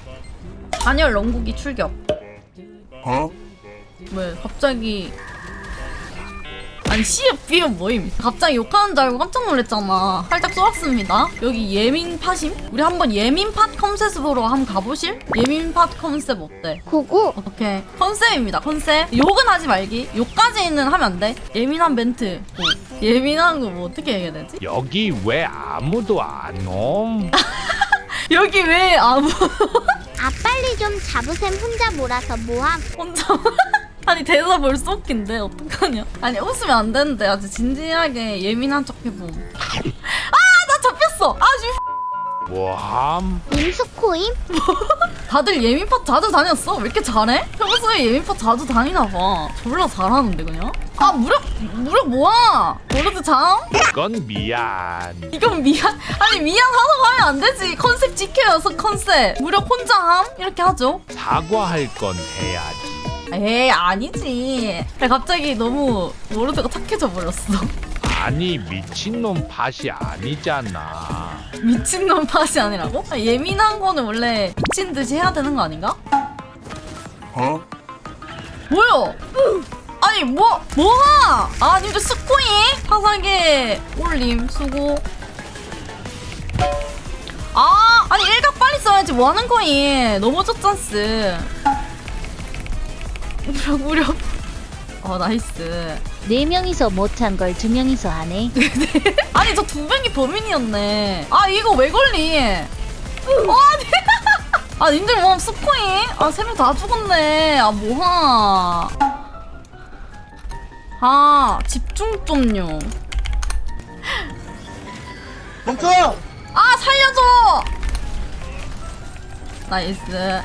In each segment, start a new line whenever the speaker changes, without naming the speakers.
단열 런국이 출격.
어?
왜 갑자기 아니 C업 B업 뭐임? 갑자기 욕하는 줄 알고 깜짝 놀랐잖아. 살짝 쏘았습니다. 여기 예민 팟임? 우리 한번 예민 팟 컨셉으로 한번 가보실? 예민 팟 컨셉 어때?
고고.
오케이 컨셉입니다. 컨셉. 욕은 하지 말기. 욕까지는 하면 안 돼. 예민한 멘트. 뭐. 예민한 거 뭐 어떻게 얘기해야 되지?
여기 왜 아무도 안 옴?
여기 왜 아무
아 빨리 좀 잡으셈. 혼자 몰아서 뭐함.
혼자 아니 대사 벌써 웃긴데 어떡하냐? 아니 웃으면 안 되는데 아주 진지하게 예민한 척 해봄. 나 잡혔어.
뭐함?
임수코임?
다들 예민팟 자주 다녔어? 왜 이렇게 잘해? 평소에 예민팟 자주 다니나봐. 졸라 잘하는데 그냥? 무력 뭐야? 워르드 장?
이건 미안.
이건 미안. 아니 미안하다고 하면 안 되지. 컨셉 지켜요. 컨셉. 무력 혼자 함? 이렇게 하죠.
사과할 건 해야지.
에이 아니지. 갑자기 너무 워르드가 착해져 버렸어.
아니 미친놈 팟이 아니잖아.
미친놈 팟이 아니라고? 예민한 거는 원래 미친 듯이 해야 되는 거 아닌가?
어?
뭐야? 아니 뭐가? 아 님들 스코잉? 화사게 올림 수고. 아니 일각 빨리 써야지. 뭐 하는 거임? 넘어졌잖스. 무력. 나이스.
4명이서 못한 걸 2명이서 하네.
아니 저 2명이 범인이었네. 이거 왜 걸리? 아니 님들 뭐 스코잉? 3명 다 죽었네. 뭐하? 집중 좀요.
멈춰!
살려줘. 나이스.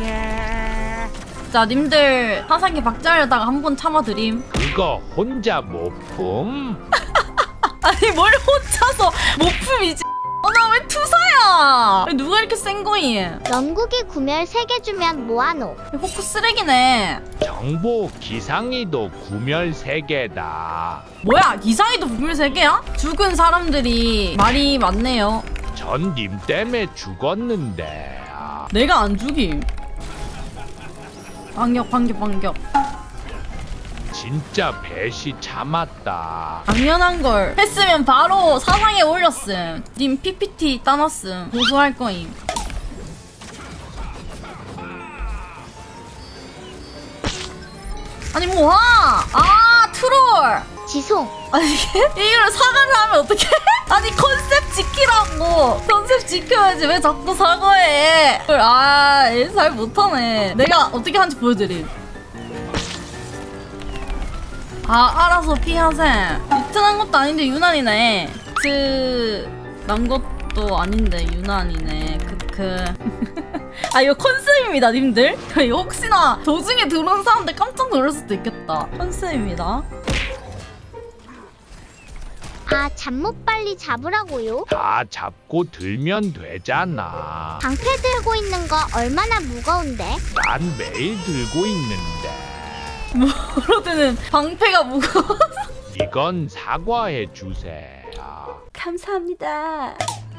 자 님들 화상기 박자려다가 한 번 참아드림.
그거 혼자 못 품?
아니 뭘 혼자서 못 품이지. 나 왜 투사야? 누가 이렇게 센 거임?
영국이 구멸 3개 주면 뭐하노?
호크 쓰레기네.
정보 기상이도 구멸 3개다.
뭐야 기상이도 구멸 3개야? 죽은 사람들이 말이 많네요.
전 님 때문에 죽었는데.
내가 안 죽임. 반격.
진짜 배시 참았다.
당연한 걸 했으면 바로 사상에 올렸음. 님 PPT 따놨음. 고소할 거임. 아니 뭐야? 트롤.
지송.
아니 이걸 사과를 하면 어떡해? 아니 컨셉 지키라고. 컨셉 지켜야지 왜 자꾸 사과해? 잘 못하네. 내가 어떻게 하는지 보여드림. 알아서 피하셈. 리튼한 것도 아닌데 유난이네. 난 것도 아닌데 유난이네. 크크. 이거 컨셉입니다 님들. 이거 혹시나 도중에 들어온 사람들 깜짝 놀랄 수도 있겠다. 컨셉입니다.
잠못 빨리 잡으라고요?
다 잡고 들면 되잖아.
방패 들고 있는 거 얼마나 무거운데?
난 매일 들고 있는데.
워로드는 방패가 무거워서.
이건 사과해 주세요.
감사합니다.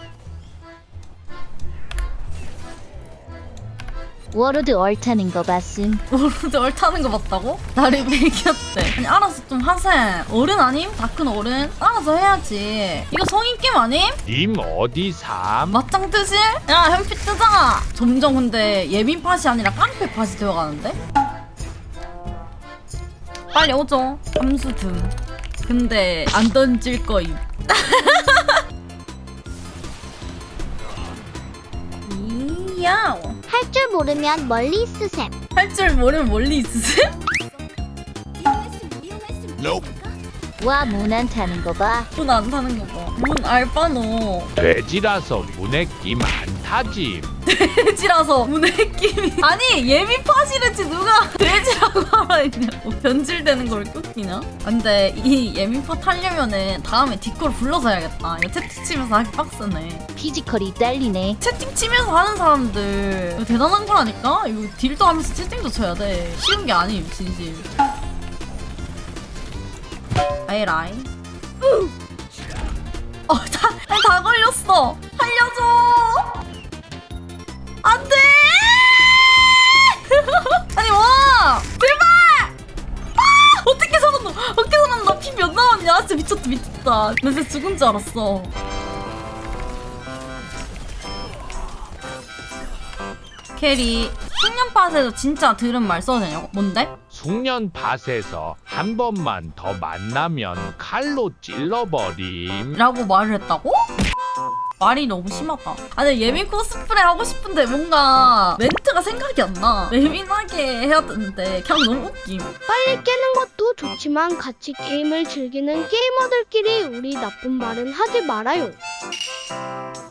워로드 얼타는 거 봤음.
워로드 얼타는 거 봤다고? 나를 매겼대. 아니 알아서 좀 하셈. 어른 아님? 다 큰 어른? 알아서 해야지. 이거 성인 게임 아님?
님 어디 삼?
맞짱 뜨실? 야 현피 뜨자. 점점 근데 예민 팟이 아니라 깡패 팟이 되어가는데? 빨리 오죠. 함수 등. 근데 안 던질 거임. 이야.
할 줄 모르면 멀리 있으셈.
할 줄 모르면 멀리 있으세요?
와, 문 안 타는 거 봐.
문 안 타는 거 봐. 문 알바노.
돼지라서 문에 끼 안 타지.
돼지라서 문에 끼미. 아니 예민 팟이랬지 누가 돼지라고 하라 했냐고. 변질되는 걸 끄기냐? 근데 이 예민 팟 하려면은 다음에 디코를 불러서 해야겠다. 이거 채팅 치면서 하기 빡세네.
피지컬이 딸리네.
채팅 치면서 하는 사람들 이거 대단한 거라니까? 이거 딜도 하면서 채팅도 쳐야 돼. 쉬운 게 아님 진심. 에라이. 다 걸렸어. 살려줘. 안 돼. 웃겼다. 나 진짜 죽은 줄 알았어. 캐리 숙련팟에서 진짜 들은 말 써도 되냐고? 뭔데?
숙련밭에서 한 번만 더 만나면 칼로 찔러버림.
라고 말을 했다고? 말이 너무 심하다. 아니 예민 코스프레 하고 싶은데 뭔가 멘트가 생각이 안 나. 예민하게 해야 되는데 그냥 너무 웃김.
빨리 깨는 것도 좋지만 같이 게임을 즐기는 게이머들끼리 우리 나쁜 말은 하지 말아요.